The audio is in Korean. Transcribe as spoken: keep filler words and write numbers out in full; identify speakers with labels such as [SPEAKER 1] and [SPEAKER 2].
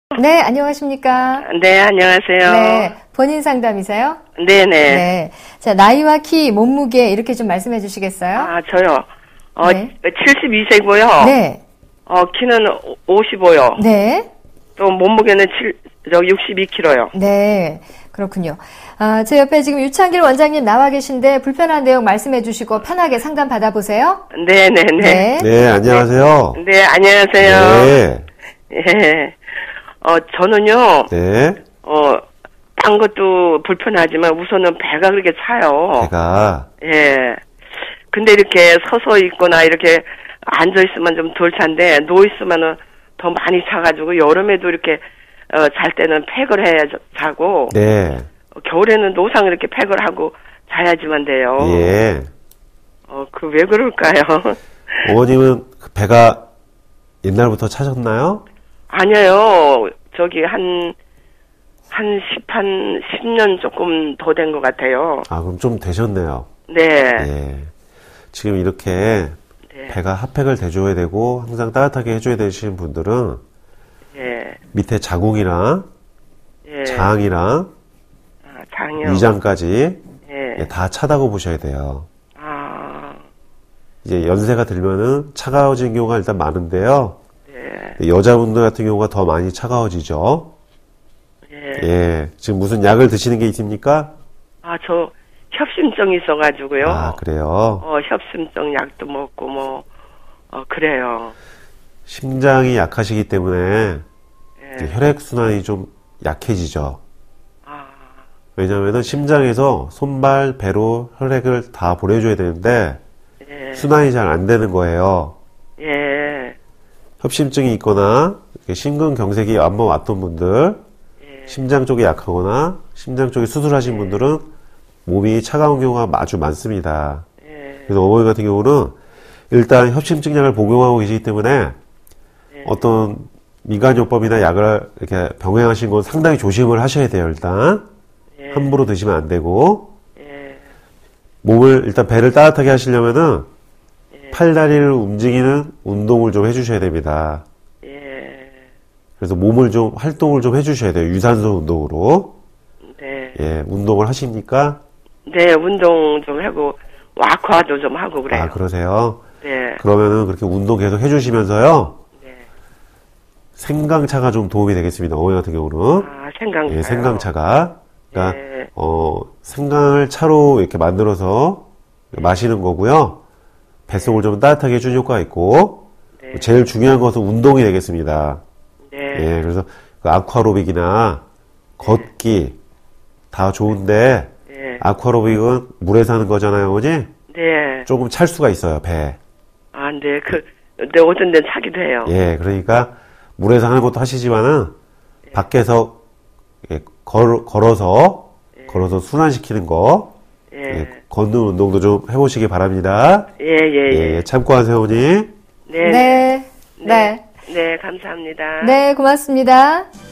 [SPEAKER 1] 네, 안녕하십니까?
[SPEAKER 2] 네, 안녕하세요.
[SPEAKER 1] 네, 본인 상담이세요?
[SPEAKER 2] 네네.
[SPEAKER 1] 네. 자, 나이와 키, 몸무게 이렇게 좀 말씀해 주시겠어요?
[SPEAKER 2] 아, 저요. 어,
[SPEAKER 1] 네.
[SPEAKER 2] 칠십이 세고요.
[SPEAKER 1] 네.
[SPEAKER 2] 어, 키는 오십오요.
[SPEAKER 1] 네.
[SPEAKER 2] 또 몸무게는 칠, 저 육십이 킬로그램요.
[SPEAKER 1] 네. 그렇군요. 아, 제 옆에 지금 유창길 원장님 나와 계신데 불편한 내용 말씀해 주시고 편하게 상담 받아보세요.
[SPEAKER 2] 네네네.
[SPEAKER 1] 네.
[SPEAKER 3] 네, 안녕하세요.
[SPEAKER 2] 네, 안녕하세요.
[SPEAKER 3] 네.
[SPEAKER 2] 예. 어, 저는요,
[SPEAKER 3] 네.
[SPEAKER 2] 어, 딴 것도 불편하지만 우선은 배가 그렇게 차요.
[SPEAKER 3] 제가,
[SPEAKER 2] 예. 근데 이렇게 서서 있거나 이렇게 앉아 있으면 좀 덜 찬데, 누워 있으면은 더 많이 차가지고, 여름에도 이렇게, 어, 잘 때는 팩을 해야 자고,
[SPEAKER 3] 네.
[SPEAKER 2] 어, 겨울에는 노상 이렇게 팩을 하고 자야지만 돼요.
[SPEAKER 3] 예.
[SPEAKER 2] 어, 그 왜 그럴까요?
[SPEAKER 3] 어머님은 그 배가 옛날부터 차셨나요?
[SPEAKER 2] 아니에요. 저기 한, 한 십, 한 십 년 조금 더 된 것 같아요.
[SPEAKER 3] 아, 그럼 좀 되셨네요.
[SPEAKER 2] 네.
[SPEAKER 3] 예. 지금 이렇게
[SPEAKER 2] 네.
[SPEAKER 3] 배가 핫팩을 대줘야 되고 항상 따뜻하게 해줘야 되시는 분들은
[SPEAKER 2] 예.
[SPEAKER 3] 밑에 자궁이랑
[SPEAKER 2] 예.
[SPEAKER 3] 장이랑
[SPEAKER 2] 아, 장이요.
[SPEAKER 3] 위장까지
[SPEAKER 2] 예.
[SPEAKER 3] 예, 다 차다고 보셔야 돼요.
[SPEAKER 2] 아,
[SPEAKER 3] 이제 연세가 들면은 차가워지는 경우가 일단 많은데요.
[SPEAKER 2] 네.
[SPEAKER 3] 여자분들 같은 경우가 더 많이 차가워지죠.
[SPEAKER 2] 예.
[SPEAKER 3] 예. 지금 무슨 약을 드시는 게 있습니까?
[SPEAKER 2] 아, 저 협심증이 있어가지고요.
[SPEAKER 3] 아, 그래요?
[SPEAKER 2] 어, 협심증 약도 먹고 뭐, 어, 그래요.
[SPEAKER 3] 심장이 약하시기 때문에
[SPEAKER 2] 예.
[SPEAKER 3] 혈액순환이 좀 약해지죠.
[SPEAKER 2] 아,
[SPEAKER 3] 왜냐면은 심장에서 손발, 배로 혈액을 다 보내줘야 되는데
[SPEAKER 2] 예.
[SPEAKER 3] 순환이 잘 안 되는 거예요.
[SPEAKER 2] 예.
[SPEAKER 3] 협심증이 있거나 심근경색이 한번 왔던 분들,
[SPEAKER 2] 예.
[SPEAKER 3] 심장 쪽이 약하거나 심장 쪽에 수술하신 분들은 몸이 차가운 경우가 아주 많습니다.
[SPEAKER 2] 예.
[SPEAKER 3] 그래서 어머니 같은 경우는 일단 협심증 약을 복용하고 계시기 때문에
[SPEAKER 2] 예.
[SPEAKER 3] 어떤 민간요법이나 약을 이렇게 병행하신 건 상당히 조심을 하셔야 돼요. 일단
[SPEAKER 2] 예.
[SPEAKER 3] 함부로 드시면 안 되고
[SPEAKER 2] 예.
[SPEAKER 3] 몸을 일단 배를 따뜻하게 하시려면은
[SPEAKER 2] 예.
[SPEAKER 3] 팔다리를 움직이는 운동을 좀 해주셔야 됩니다.
[SPEAKER 2] 예.
[SPEAKER 3] 그래서 몸을 좀 활동을 좀 해주셔야 돼요. 유산소 운동으로.
[SPEAKER 2] 네.
[SPEAKER 3] 예, 운동을 하십니까?
[SPEAKER 2] 네, 운동 좀 하고, 와크와도 좀 하고 그래요.
[SPEAKER 3] 아, 그러세요?
[SPEAKER 2] 네.
[SPEAKER 3] 그러면은 그렇게 운동 계속 해주시면서요.
[SPEAKER 2] 네.
[SPEAKER 3] 생강차가 좀 도움이 되겠습니다. 어머니 같은 경우는.
[SPEAKER 2] 아, 생강차요.
[SPEAKER 3] 예, 생강차가. 그러니까,
[SPEAKER 2] 네.
[SPEAKER 3] 어, 생강을 차로 이렇게 만들어서 마시는 거고요. 뱃속을 좀 따뜻하게 해주는 효과가 있고,
[SPEAKER 2] 네.
[SPEAKER 3] 제일 중요한 것은 운동이 되겠습니다.
[SPEAKER 2] 네.
[SPEAKER 3] 예, 그래서 그 아쿠아로빅이나 걷기 다 좋은데,
[SPEAKER 2] 네.
[SPEAKER 3] 아쿠아로빅은 물에서 하는 거잖아요, 어머니?
[SPEAKER 2] 네.
[SPEAKER 3] 조금 찰 수가 있어요, 배.
[SPEAKER 2] 아, 네. 그, 네, 어떤 데는 차기도 해요.
[SPEAKER 3] 예, 그러니까 물에서 하는 것도 하시지만은 밖에서 예, 걸, 걸어서 걸어서 순환시키는 거,
[SPEAKER 2] 예.
[SPEAKER 3] 예, 걷는 운동도 좀 해보시기 바랍니다.
[SPEAKER 2] 예, 예, 예.
[SPEAKER 3] 예, 참고하세요, 어머니.
[SPEAKER 2] 네.
[SPEAKER 1] 네. 네.
[SPEAKER 2] 네, 감사합니다.
[SPEAKER 1] 네, 고맙습니다.